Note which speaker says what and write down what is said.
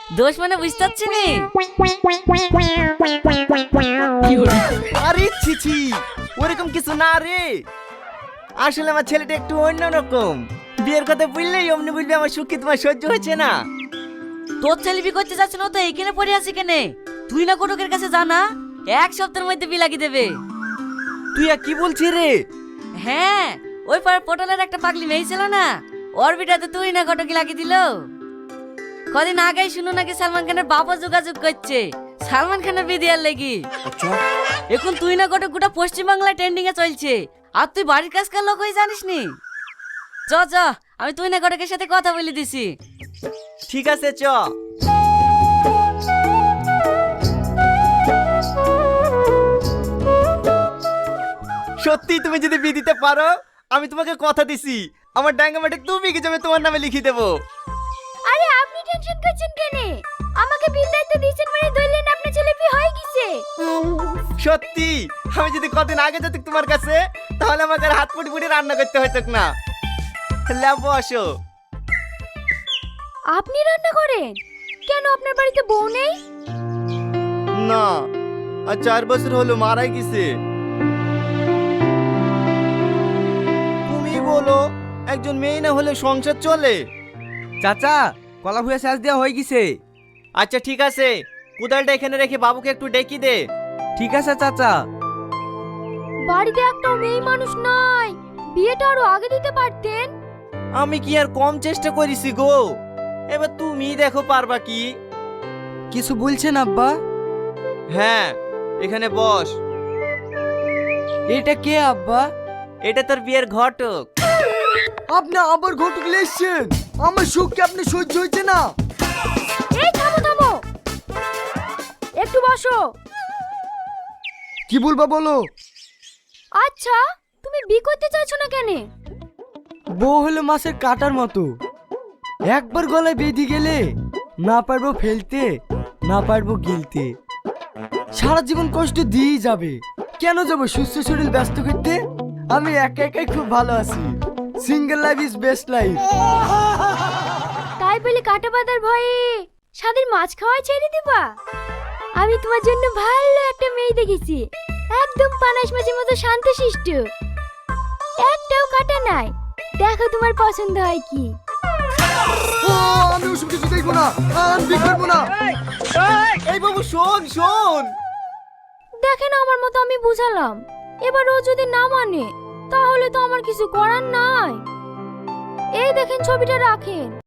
Speaker 1: দোষ মানে বুঝতে পারছি নি।
Speaker 2: আরে ছিছি, ওরকম কিছু না রে। আসলে আমার ছেলেটা একটু অন্যরকম। বিয়ের কথা বললেই অমনি বলবি আমার সুখ কি তোমার সহ্য হচ্ছে না।
Speaker 1: তোর ছেলে বি করতে যাচ্ছে না তো এইখানে পড়ে আছি কেনে? তুই না কোটকের কাছে জানা, এক সপ্তাহের মধ্যে বি লাগিয়ে দেবে।
Speaker 2: তুই আর কি বলছিস রে?
Speaker 1: হ্যাঁ, ওই পাড়ার পটলের একটা পাগলি মেয়ে ছিল না, ওর বিটাতে তুই না কটকি লাগিয়ে দিল। কদিন আগেই শুনো নাকি সালমান খানের বাবা যোগাযোগ করছে সালমান খানের বিদিয়ার লেগি। এখন তুই না কটক গোটা পশ্চিমবাংলায় ট্রেন্ডিং এ চলছে, আর তুই বাড়ির কাজকার লোক হয়ে জানিস নি। চ চ, আমি তুই না কটকের সাথে কথা বলে দিছি।
Speaker 2: ঠিক আছে চ। সত্যি তুমি যদি বিয়ে দিতে পারো, আমি তোমাকে কথা দিছি আমার ডাঙ্গা মাঠে 2 বিঘে জমি তোমার নামে লিখে দেবো।
Speaker 3: আরে আপনি টেনশন করছেন কেন? আমাকে বিল দায়িত্ব দিয়েছেন মানে ধরলেন আপনার ছেলে বিয়ে হয়ে গেছে।
Speaker 2: সত্যি আমি যদি কদিন আগে যেত তোমার কাছে, তাহলে আমাকে আর হাত পুটি পুটি রান্না করতে হতো না। লেবো আসো।
Speaker 3: আপনি রান্না করেন? কেন আপনার বাড়িতে বউ নেই?
Speaker 2: না, আর 4 বছর হলো মারা গেছে। তুমি বলো, একজন মেয়ে না হলে সংসার চলে?
Speaker 4: চাচা, কলা ভুয়া শেষ দেওয়া হয়ে গেছে।
Speaker 2: আচ্ছা ঠিক আছে, কোদালটা এখানে রেখে বাবুকে একটু ডেকে দে।
Speaker 4: ঠিক আছে চাচা।
Speaker 3: বাড়িতে একটা মেয়ে মানুষ নাই, বিয়েটা আরো আগে দিতে পারতেন।
Speaker 2: আমি কি আর কম চেষ্টা করেছি গো? এবার তুমি দেখো পারবা কি।
Speaker 4: কিছু বলছেন আব্বা?
Speaker 2: হ্যাঁ, এখানে বস।
Speaker 4: এটা কে আব্বা?
Speaker 2: এটা তোর বিয়ের ঘটক।
Speaker 4: আপনি আবার ঘটক লেসছেন, আমার সুখ কি আপনি সহ্য হচ্ছে না?
Speaker 3: এই থামো থামো, একটু বসো।
Speaker 4: কি বলবা বলো।
Speaker 3: আচ্ছা, তুমি বিয়ে করতে চাইছো না কেন?
Speaker 4: বউ হলো মাছের কাটার মতো, একবার গলায় বেঁধে গেলে না পারবো ফেলতে, না পারবো গিলতে, সারা জীবন কষ্ট দিয়েই যাবে। কেন যাবো সুস্থ শরীর ব্যস্ত করতে? আমি একা একাই খুব ভালো আছি। Single life is best life.
Speaker 3: তাই বলে কাটা বাঁধার ভয়ে স্বাদের মাছ খাওয়াই ছেড়ে দিবা? আমি তোমার জন্য ভালো একটা মেয়ে দেখেছি, একদম পানাশ মাছের মতো শান্তশিষ্ট, একটাও কাটা নাই। দেখো তোমার পছন্দ হয় কি।
Speaker 4: আমি ওসব কিছু দেখবো না, আমি বিয়ে করবো না।
Speaker 2: এই বাবু শোন শোন।
Speaker 3: দেখেন আমার মতো আমি বুঝালাম, এবার ও যদি না মানে তাহলে তো আমার কিছু করার নাই। এই দেখেন ছবিটা রাখেন।